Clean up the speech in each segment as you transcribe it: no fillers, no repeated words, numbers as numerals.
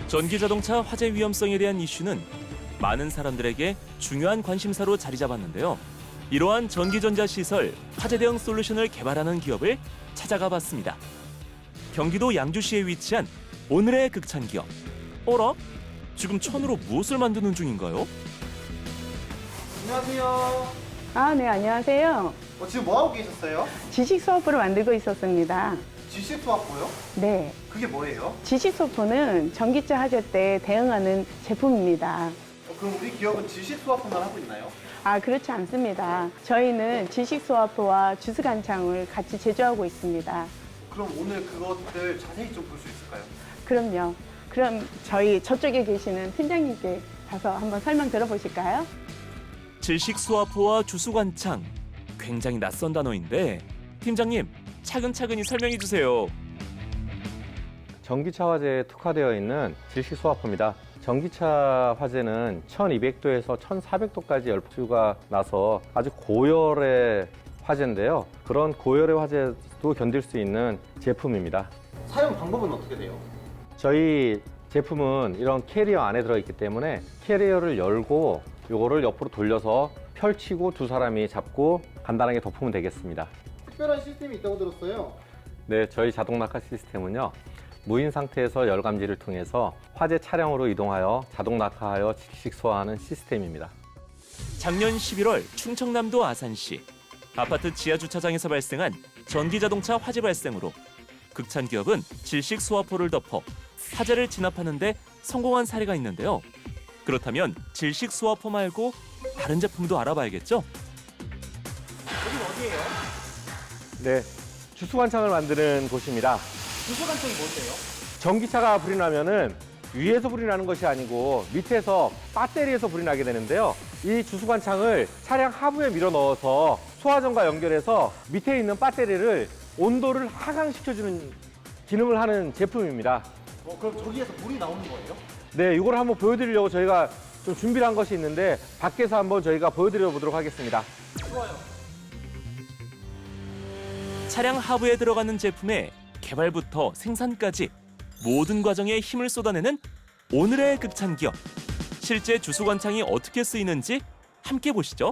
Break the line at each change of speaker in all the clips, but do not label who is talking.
전기자동차 화재 위험성에 대한 이슈는 많은 사람들에게 중요한 관심사로 자리 잡았는데요. 이러한 전기전자시설 화재 대응 솔루션을 개발하는 기업을 찾아가 봤습니다. 경기도 양주시에 위치한 오늘의 극찬기업. 어라? 지금 천으로 무엇을 만드는 중인가요?
안녕하세요.
네, 안녕하세요.
지금 뭐 하고 계셨어요?
지식 소프를 만들고 있었습니다.
지식 수학고요?
네,
그게 뭐예요?
지식 소프는 전기차 화재 때 대응하는 제품입니다.
그럼 우리 기업은 지식 수학고만 하고 있나요?
그렇지 않습니다. 저희는 지식 소프와 주스간창을 같이 제조하고 있습니다.
그럼 오늘 그것들 자세히 좀 볼 수 있을까요?
그럼요. 그럼 저희 저쪽에 계시는 팀장님께 가서 한번 설명 들어보실까요?
질식수화포와 주수관창. 굉장히 낯선 단어인데 팀장님 차근차근히 설명해 주세요.
전기차 화재에 특화되어 있는 질식수화포입니다. 전기차 화재는 1200도에서 1400도까지 열수가 나서 아주 고열의 화재인데요. 그런 고열의 화재도 견딜 수 있는 제품입니다.
사용 방법은 어떻게 돼요?
저희 제품은 이런 캐리어 안에 들어있기 때문에 캐리어를 열고 이거를 옆으로 돌려서 펼치고 두 사람이 잡고 간단하게 덮으면 되겠습니다.
특별한 시스템이 있다고 들었어요.
네, 저희 자동 낙하 시스템은요. 무인 상태에서 열감지를 통해서 화재 차량으로 이동하여 자동 낙하하여 질식 소화하는 시스템입니다.
작년 11월 충청남도 아산시 아파트 지하 주차장에서 발생한 전기자동차 화재 발생으로 극찬 기업은 질식 소화포를 덮어 화재를 진압하는 데 성공한 사례가 있는데요. 그렇다면 질식 소화포 말고 다른 제품도 알아봐야겠죠?
여긴 어디예요?
네, 주수관창을 만드는 곳입니다.
주소관청이 뭔데요?
전기차가 불이 나면은 위에서 불이 나는 것이 아니고 밑에서 배터리에서 불이 나게 되는데요. 이 주수관창을 차량 하부에 밀어 넣어서 소화전과 연결해서 밑에 있는 배터리를 온도를 하강시켜주는 기능을 하는 제품입니다.
그럼 저기에서 물이 나오는 거예요?
네, 이걸 한번 보여드리려고 저희가 좀 준비를 한 것이 있는데 밖에서 한번 저희가 보여드려 보도록 하겠습니다.
좋아요.
차량 하부에 들어가는 제품의 개발부터 생산까지 모든 과정에 힘을 쏟아내는 오늘의 극찬 기업. 실제 주수관창이 어떻게 쓰이는지 함께 보시죠.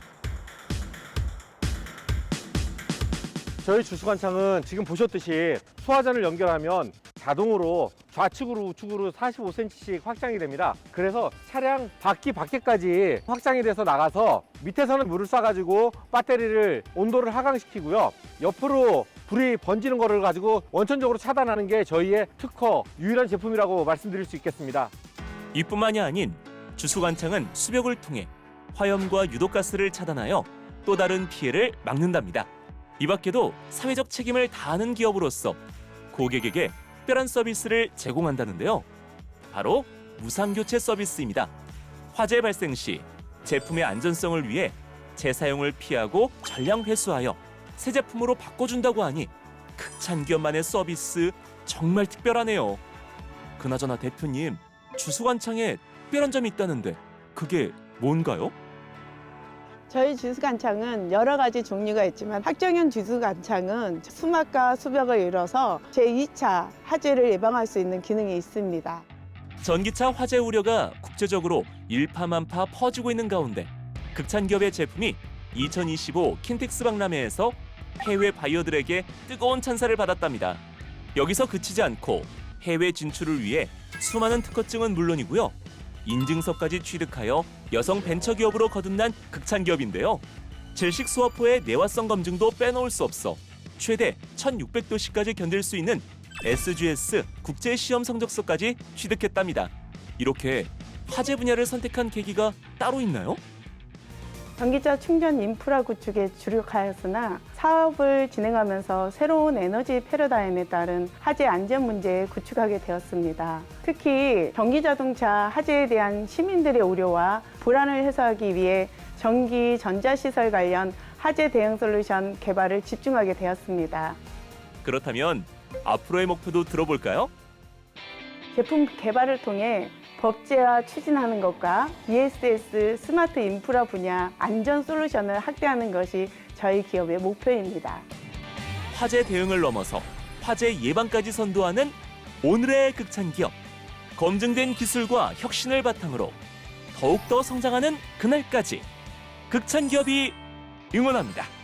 저희 주수관창은 지금 보셨듯이 소화전을 연결하면 자동으로 좌측으로 우측으로 45cm씩 확장이 됩니다. 그래서 차량 바퀴 밖에까지 확장이 돼서 나가서 밑에서는 물을 쏴가지고 배터리를 온도를 하강시키고요. 옆으로 불이 번지는 거를 가지고 원천적으로 차단하는 게 저희의 특허 유일한 제품이라고 말씀드릴 수 있겠습니다.
이뿐만이 아닌 주수관창은 수벽을 통해 화염과 유독가스를 차단하여 또 다른 피해를 막는답니다. 이 밖에도 사회적 책임을 다하는 기업으로서 고객에게 특별한 서비스를 제공한다는데요. 바로 무상교체 서비스입니다. 화재 발생 시 제품의 안전성을 위해 재사용을 피하고 전량 회수하여 새 제품으로 바꿔준다고 하니 극찬 기업만의 서비스 정말 특별하네요. 그나저나 대표님, 주수관창에 특별한 점이 있다는데 그게 뭔가요?
저희 주스간창은 여러 가지 종류가 있지만 확정형 주스간창은 수막과 수벽을 이뤄서 제2차 화재를 예방할 수 있는 기능이 있습니다.
전기차 화재 우려가 국제적으로 일파만파 퍼지고 있는 가운데 극찬 기업의 제품이 2025 킨텍스 박람회에서 해외 바이어들에게 뜨거운 찬사를 받았답니다. 여기서 그치지 않고 해외 진출을 위해 수많은 특허증은 물론이고요. 인증서까지 취득하여 여성 벤처기업으로 거듭난 극찬 기업인데요. 질식 수화포의 내화성 검증도 빼놓을 수 없어 최대 1600도씨까지 견딜 수 있는 SGS 국제시험 성적서까지 취득했답니다. 이렇게 화재 분야를 선택한 계기가 따로 있나요?
전기차 충전 인프라 구축에 주력하였으나 사업을 진행하면서 새로운 에너지 패러다임에 따른 화재 안전 문제에 구축하게 되었습니다. 특히 전기자동차 화재에 대한 시민들의 우려와 불안을 해소하기 위해 전기 전자시설 관련 화재 대응 솔루션 개발을 집중하게 되었습니다.
그렇다면 앞으로의 목표도 들어볼까요?
제품 개발을 통해 법제화 추진하는 것과 ESS 스마트 인프라 분야 안전 솔루션을 확대하는 것이 저희 기업의 목표입니다.
화재 대응을 넘어서 화재 예방까지 선도하는 오늘의 극찬 기업. 검증된 기술과 혁신을 바탕으로 더욱더 성장하는 그날까지 극찬기업이 응원합니다.